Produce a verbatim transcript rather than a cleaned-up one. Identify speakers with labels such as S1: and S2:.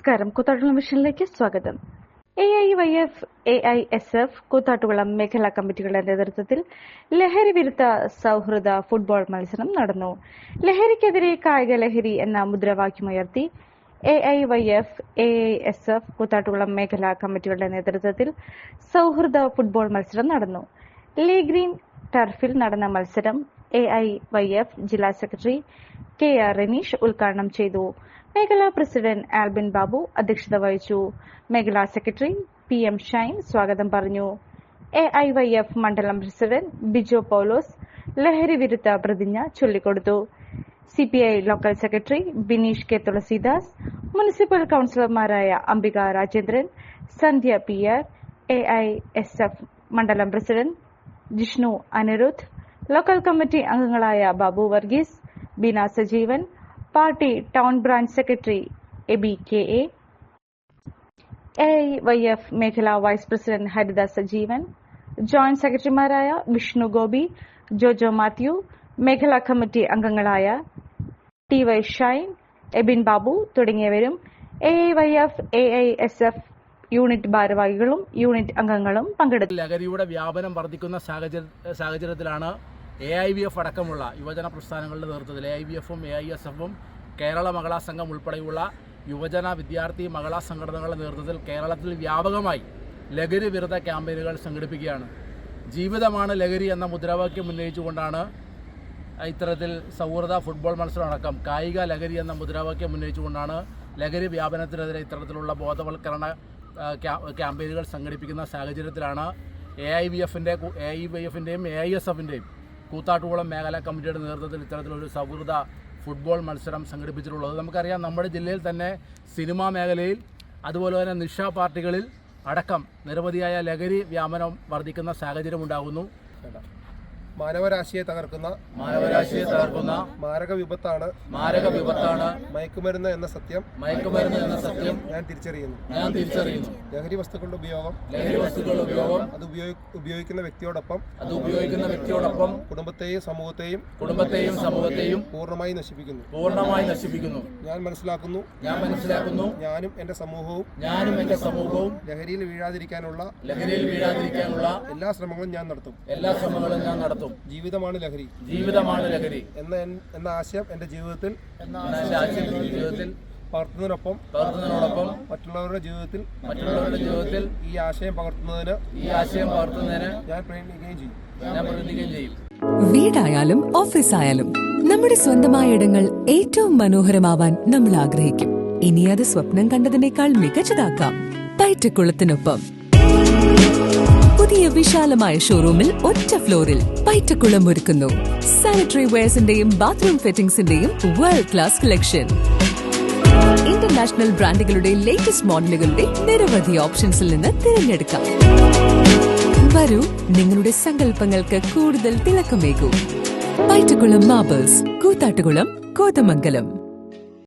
S1: നമസ്കാരം. കൂത്താട്ടുകുളം വിഷനിലേക്ക് സ്വാഗതം. A I Y F, A I S F Koothattukulam മേഖലാ കമ്മിറ്റികളുടെ നേതൃത്വത്തിൽ ലഹരി വിരുദ്ധ സൗഹൃദ ഫുട്ബോൾ മത്സരം നടന്നു. ലഹരിക്കെതിരെ കായിക ലഹരി എന്ന മുദ്രാവാക്യമുയർത്തി A I Y F, A I S F Koothattukulam മേഖലാ കമ്മിറ്റികളുടെ നേതൃത്വത്തിൽ സൗഹൃദ ഫുട്ബോൾ മത്സരം നടന്നു. ലീ ഗ്രീൻ ടർഫിൽ നടന്ന മത്സരം എ ഐ വൈ എഫ് ജില്ലാ സെക്രട്ടറി കെ ആർ റനീഷ് ഉദ്ഘാടനം ചെയ്തു. മേഖലാ പ്രസിഡന്റ് ആൽബിൻ ബാബു അധ്യക്ഷത വഹിച്ചു. മേഖലാ സെക്രട്ടറി പി എം ഷൈൻ സ്വാഗതം പറഞ്ഞു. എ ഐ വൈ എഫ് മണ്ഡലം പ്രസിഡന്റ് ബിജോ പൌലോസ് ലഹരി വിരുദ്ധ പ്രതിജ്ഞ ചൊല്ലിക്കൊടുത്തു. C P I local secretary Bineesh K Thulasidas, municipal കൌൺസിലർമാരായ Ambika Rajendran, Sandhya P R, A I S F മണ്ഡലം president Jishnu Anirudh, local committee അംഗങ്ങളായ Babu Varghese, Beena Sajeevan, party town branch secretary Abi K A, A I Y F മേഖലാ vice president Haritha Sajeevan, joint സെക്രട്ടറിമാരായ വിഷ്ണു ഗോപി, ജോജോ മാത്യു, മേഖലാ കമ്മിറ്റി അംഗങ്ങളായ ടി വൈ ഷൈൻ, എബിൻ ബാബു തുടങ്ങിയവരും A I Y F, A I S F unit ഭാരവാഹികളും unit അംഗങ്ങളും പങ്കെടുത്തു.
S2: ലഹരിയുടെ വ്യാപനം വർദ്ധിക്കുന്ന സാഹചര്യത്തിലാണ് എ ഐ വി എഫ് അടക്കമുള്ള യുവജന പ്രസ്ഥാനങ്ങളുടെ നേതൃത്വത്തിൽ എ ഐ വി എഫും എ ഐ എസ് എഫും കേരള മഹിളാ സംഘം ഉൾപ്പെടെയുള്ള യുവജന വിദ്യാർത്ഥി മഹിളാ സംഘടനകളുടെ നേതൃത്വത്തിൽ കേരളത്തിൽ വ്യാപകമായി ലഹരി വിരുദ്ധ ക്യാമ്പയിനുകൾ സംഘടിപ്പിക്കുകയാണ്. ജീവിതമാണ് ലഹരി എന്ന മുദ്രാവാക്യം ഉന്നയിച്ചുകൊണ്ടാണ് ഇത്തരത്തിൽ സൗഹൃദ ഫുട്ബോൾ മത്സരം അടക്കം കായിക ലഹരി എന്ന മുദ്രാവാക്യം ഉന്നയിച്ചുകൊണ്ടാണ് ലഹരി വ്യാപനത്തിനെതിരെ ഇത്തരത്തിലുള്ള ബോധവൽക്കരണ ക്യാമ്പയിനുകൾ സംഘടിപ്പിക്കുന്ന സാഹചര്യത്തിലാണ് എ ഐ വി എഫിൻ്റെ എ ഐ വൈ എഫിൻ്റെയും എ ഐ എസ് എഫിൻ്റെയും കൂത്താട്ടുകുളം മേഖലാ കമ്മിറ്റിയുടെ നേതൃത്വത്തിൽ ഇത്തരത്തിലൊരു സൗഹൃദ ഫുട്ബോൾ മത്സരം സംഘടിപ്പിച്ചിട്ടുള്ളത്. നമുക്കറിയാം, നമ്മുടെ ജില്ലയിൽ തന്നെ സിനിമാ മേഖലയിൽ അതുപോലെ തന്നെ നിശാ പാർട്ടികളിൽ അടക്കം നിരവധിയായ ലഹരി വ്യാപനം വർദ്ധിക്കുന്ന സാഹചര്യം ഉണ്ടാകുന്നു.
S3: മാനവരാശിയെ തകർക്കുന്ന
S2: മാനവരാശിയെ തകർക്കുന്ന
S3: മാരക വിപത്താണ്
S2: മാരക വിപത്താണ്
S3: മയക്കുമരുന്ന് എന്ന സത്യം
S2: മയക്കുമരുന്ന് എന്ന സത്യം
S3: ഞാൻ തിരിച്ചറിയുന്നു
S2: ഞാൻ തിരിച്ചറിയുന്നു
S3: ലഹരി വസ്തുക്കളുടെ ഉപയോഗം
S2: ലഹരി വസ്തുക്കളുടെ ഉപയോഗം
S3: അത് ഉപയോഗിക്കുന്ന വ്യക്തിയോടൊപ്പം
S2: അത് ഉപയോഗിക്കുന്ന വ്യക്തിയോടൊപ്പം
S3: കുടുംബത്തെയും സമൂഹത്തെയും
S2: കുടുംബത്തെയും സമൂഹത്തെയും
S3: പൂർണ്ണമായി നശിപ്പിക്കുന്നു
S2: പൂർണ്ണമായി നശിപ്പിക്കുന്നു
S3: ഞാൻ മനസ്സിലാക്കുന്നു
S2: ഞാൻ മനസ്സിലാക്കുന്നു
S3: ഞാനും എന്റെ സമൂഹവും
S2: ഞാനും എന്റെ സമൂഹവും
S3: ലഹരിയിൽ വീഴാതിരിക്കാനുള്ള
S2: ലഹരിയിൽ വീഴാതിരിക്കാനുള്ള
S3: എല്ലാ ശ്രമങ്ങളും ഞാൻ നടത്തും
S2: എല്ലാ ശ്രമങ്ങളും ഞാൻ നടത്തും
S3: ജീവിതമാണ് ലഹരി
S2: ജീവിതമാണ് ലഹരി
S3: എന്ന എന്ന ആശയം എന്റെ ജീവിതത്തിൽ
S2: ജീവിതത്തിൽ
S3: പകർത്തുന്നതിനൊപ്പം
S2: പകർത്തുന്നതിനോടൊപ്പം
S3: മറ്റുള്ളവരുടെ ജീവിതത്തിൽ
S2: മറ്റുള്ളവരുടെ ജീവിതത്തിൽ
S3: ഈ ആശയം പകർത്തുന്നതിന്
S2: ഈ ആശയം പകർത്തുന്നതിന്
S3: ഞാൻ പ്രയത്നിക്കുകയും ചെയ്യും
S2: ഞാൻ പ്രയത്നിക്കുകയും ചെയ്യും.
S4: വീടായാലും ഓഫീസായാലും നമ്മുടെ സ്വന്തമായ ഇടങ്ങൾ ഏറ്റവും മനോഹരമാവാൻ നമ്മൾ ആഗ്രഹിക്കും. ഇനി അത് സ്വപ്നം കണ്ടതിനേക്കാൾ മികച്ചതാക്കാം പൈറ്റക്കുളത്തിനൊപ്പം. പുതിയ വിശാലമായ ഷോറൂമിൽ ഒറ്റ ഫ്ലോറിൽ പൈറ്റക്കുളം ഒരുക്കുന്നു സാനിറ്ററി വെയർസിന്റെയും ബാത്റൂം ഫിറ്റിംഗ്സിന്റെയും വേൾഡ് ക്ലാസ് കളക്ഷൻ. ഇന്റർനാഷണൽ ബ്രാൻഡുകളുടെ ലേറ്റസ്റ്റ് മോഡലുകളുടെ നിരവധി ഓപ്ഷൻസിൽ നിന്ന് തിരഞ്ഞെടുക്കാം. വരൂ, നിങ്ങളുടെ സങ്കല്പങ്ങൾക്ക് കൂടുതൽ തിളക്കമേകൂ. പൈറ്റക്കുളം മാർബിൾസ്, കൂത്താട്ടുകുളം, കോതമംഗലം.